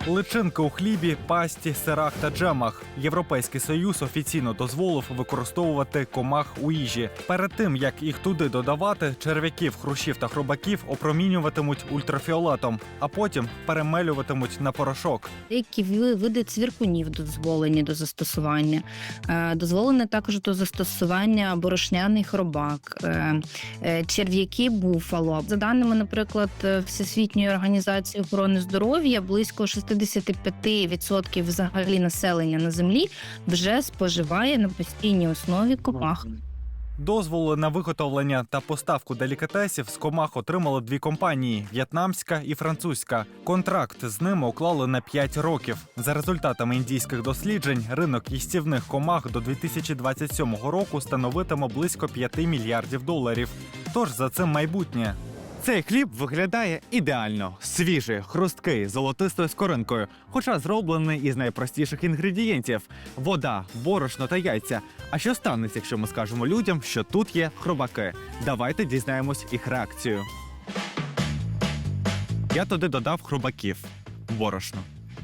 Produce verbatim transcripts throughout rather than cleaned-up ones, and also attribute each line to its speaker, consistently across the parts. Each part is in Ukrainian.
Speaker 1: Личинки у хлібі, пасті, сирах та джемах. Європейський Союз офіційно дозволив використовувати комах у їжі. Перед тим, як їх туди додавати, черв'яків, хрущів та хробаків опромінюватимуть ультрафіолетом, а потім перемелюватимуть на порошок.
Speaker 2: Деякі види цвіркунів дозволені до застосування. Е, Дозволене також до застосування борошняний хробак, е, е, черв'яки буфало. За даними, наприклад, Всесвітньої організації охорони здоров'я, близько шістдесят п'ять відсотків взагалі населення на землі вже споживає на постійній основі комах.
Speaker 1: Дозволи на виготовлення та поставку делікатесів з комах отримали дві компанії – в'єтнамська і французька. Контракт з ними уклали на п'ять років. За результатами індійських досліджень, ринок їстівних комах до дві тисячі двадцять сьомого року становитиме близько п'яти мільярдів доларів. Тож за цим майбутнє.
Speaker 3: Цей хліб виглядає ідеально. Свіжий, хрусткий, золотистою скоринкою, хоча зроблений із найпростіших інгредієнтів – вода, борошно та яйця. А що станеться, якщо ми скажемо людям, що тут є хробаки? Давайте дізнаємось їх реакцію. Я туди додав хробаків. Борошно.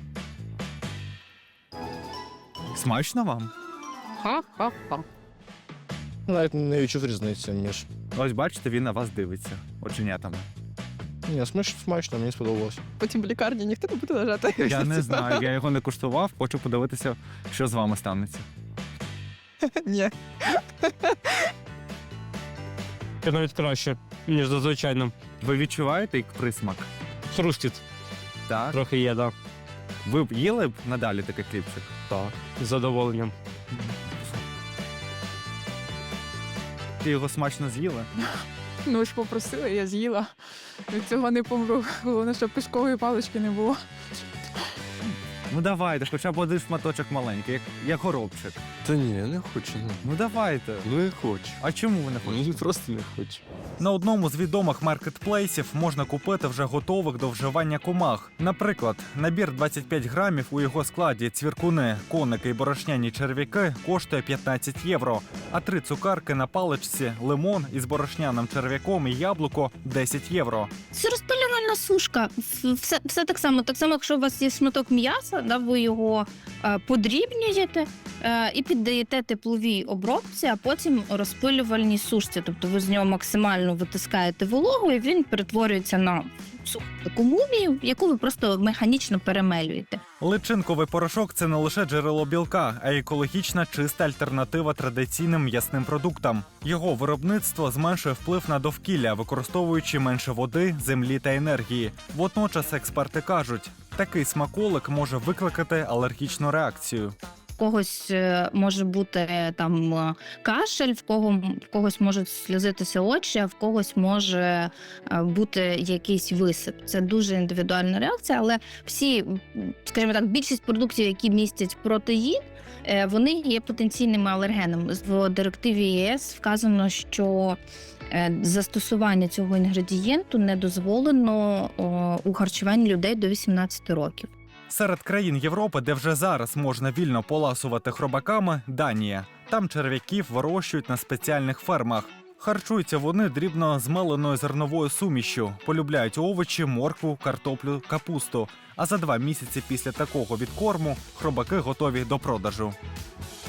Speaker 3: Смачно вам?
Speaker 4: Ха-ха-ха. Навіть не відчув різниці між.
Speaker 3: Ось бачите, він на вас дивиться оченятами.
Speaker 4: Ні, смач- смачно, мені сподобалось.
Speaker 5: Потім в лікарні ніхто не буде лежати.
Speaker 3: Я не знаю, я його не куштував, хочу подивитися, що з вами станеться.
Speaker 5: Ні.
Speaker 6: Це навіть краще, ніж зазвичайно.
Speaker 3: Ви відчуваєте як присмак?
Speaker 6: Хрустить
Speaker 3: Так.
Speaker 6: трохи є, да.
Speaker 3: Ви б їли б надалі такий хлібчик?
Speaker 6: Так, з задоволенням.
Speaker 3: Ти його смачно з'їли?
Speaker 5: Ну ви ж попросили, я з'їла. Від цього не помру. Головне, щоб пішкової палички не було.
Speaker 3: Ну давайте, хоча б один шматочок маленький, як, як горобчик.
Speaker 4: Та ні, я не хочу. Ну,
Speaker 3: Ну давайте.
Speaker 4: ну не хочу.
Speaker 3: А чому ви не хочете?
Speaker 4: Ну, просто не хочу.
Speaker 1: На одному з відомих маркетплейсів можна купити вже готових до вживання комах. Наприклад, набір двадцять п'ять грамів, у його складі цвіркуни, коники і борошняні черв'яки коштує п'ятнадцять євро, а три цукарки на паличці, лимон із борошняним черв'яком і яблуко – десять євро.
Speaker 2: Це розпилювальна сушка. Все, все так само. Так само, якщо у вас є шматок м'яса, да, ви його е, подрібнюєте е, і піддаєте тепловій обробці, а потім розпилювальній сушці. Тобто ви з нього максимально витискаєте вологу, і він перетворюється на суху таку мумію, яку ви просто механічно перемелюєте.
Speaker 1: Личинковий порошок – це не лише джерело білка, а й екологічна чиста альтернатива традиційним м'ясним продуктам. Його виробництво зменшує вплив на довкілля, використовуючи менше води, землі та енергії. Водночас експерти кажуть, такий смаколик може викликати алергічну реакцію.
Speaker 2: В когось е, може бути е, там е, кашель, в кого в когось можуть сльозитися очі, а в когось може е, бути якийсь висип. Це дуже індивідуальна реакція, але всі, м, скажімо так, більшість продуктів, які містять протеїн, е, вони є потенційними алергенами. В директиві ЄС вказано, що е, застосування цього інгредієнту не дозволено о, у харчуванні людей до вісімнадцяти років.
Speaker 1: Серед країн Європи, де вже зараз можна вільно поласувати хробаками – Данія. Там черв'яків вирощують на спеціальних фермах. Харчуються вони дрібно змеленою зерновою сумішшю, полюбляють овочі, моркву, картоплю, капусту. А за два місяці після такого відкорму хробаки готові до продажу.